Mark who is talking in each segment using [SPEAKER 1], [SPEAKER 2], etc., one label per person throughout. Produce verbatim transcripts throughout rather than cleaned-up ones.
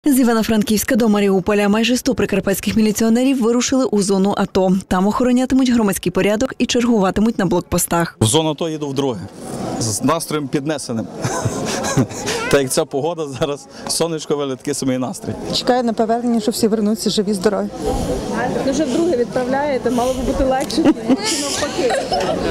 [SPEAKER 1] З Івано-Франківська до Маріуполя майже сто прикарпатських міліціонерів вирушили у зону АТО. Там охоронятимуть громадський порядок і чергуватимуть на блокпостах.
[SPEAKER 2] В зону АТО їду вдруге, з настроєм піднесеним. Та як ця погода зараз, сонечко виле, такий самий настрій.
[SPEAKER 3] Чекаю на повернення, що всі вернуться живі, здорові.
[SPEAKER 4] Ви вже вдруге відправляєте, мало би бути легше, чи навпаки?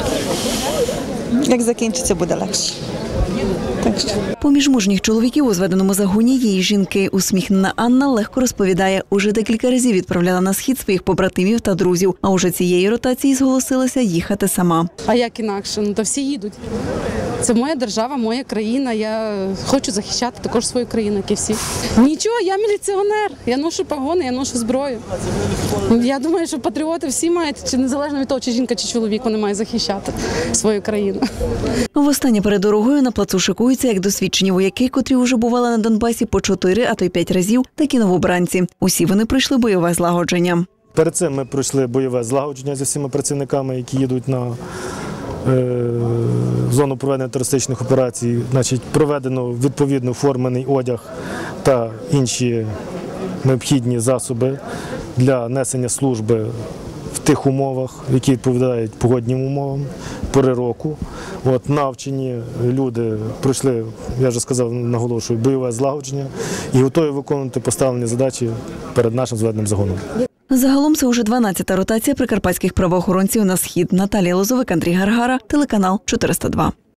[SPEAKER 3] Як закінчиться, буде легше. Так що.
[SPEAKER 1] Поміж мужніх чоловіків у зведеному загоні є й жінки. Усміхнена Анна легко розповідає, уже декілька разів відправляла на схід своїх побратимів та друзів, а уже цієї ротації зголосилася їхати сама.
[SPEAKER 5] А як інакше? Ну, то всі їдуть. Це моя держава, моя країна. Я хочу захищати також свою країну, як і всі. Нічого, я міліціонер, я ношу погони, я ношу зброю. Я думаю, що патріоти всі мають, чи незалежно від того, чи жінка, чи чоловік, вони мають захищати свою країну.
[SPEAKER 1] Востаннє перед дорогою на плацу шикуються як досвідчені вояки, котрі вже бували на Донбасі по чотири, а то й п'ять разів, так і новобранці. Усі вони пройшли бойове злагодження.
[SPEAKER 6] Перед цим ми пройшли бойове злагодження зі всіма працівниками, які їдуть на е, зону проведення терористичних операцій. Значить, проведено відповідно формений одяг та інші необхідні засоби для несення служби в тих умовах, які відповідають погодним умовам, пори року. От, навчені люди пройшли, я вже сказав, наголошую, бойове злагодження і готові виконувати поставлені задачі перед нашим зведеним загоном.
[SPEAKER 1] Загалом це уже дванадцята ротація прикарпатських правоохоронців на схід. Наталія Лозовик, Андрій Гаргара, телеканал чотириста два.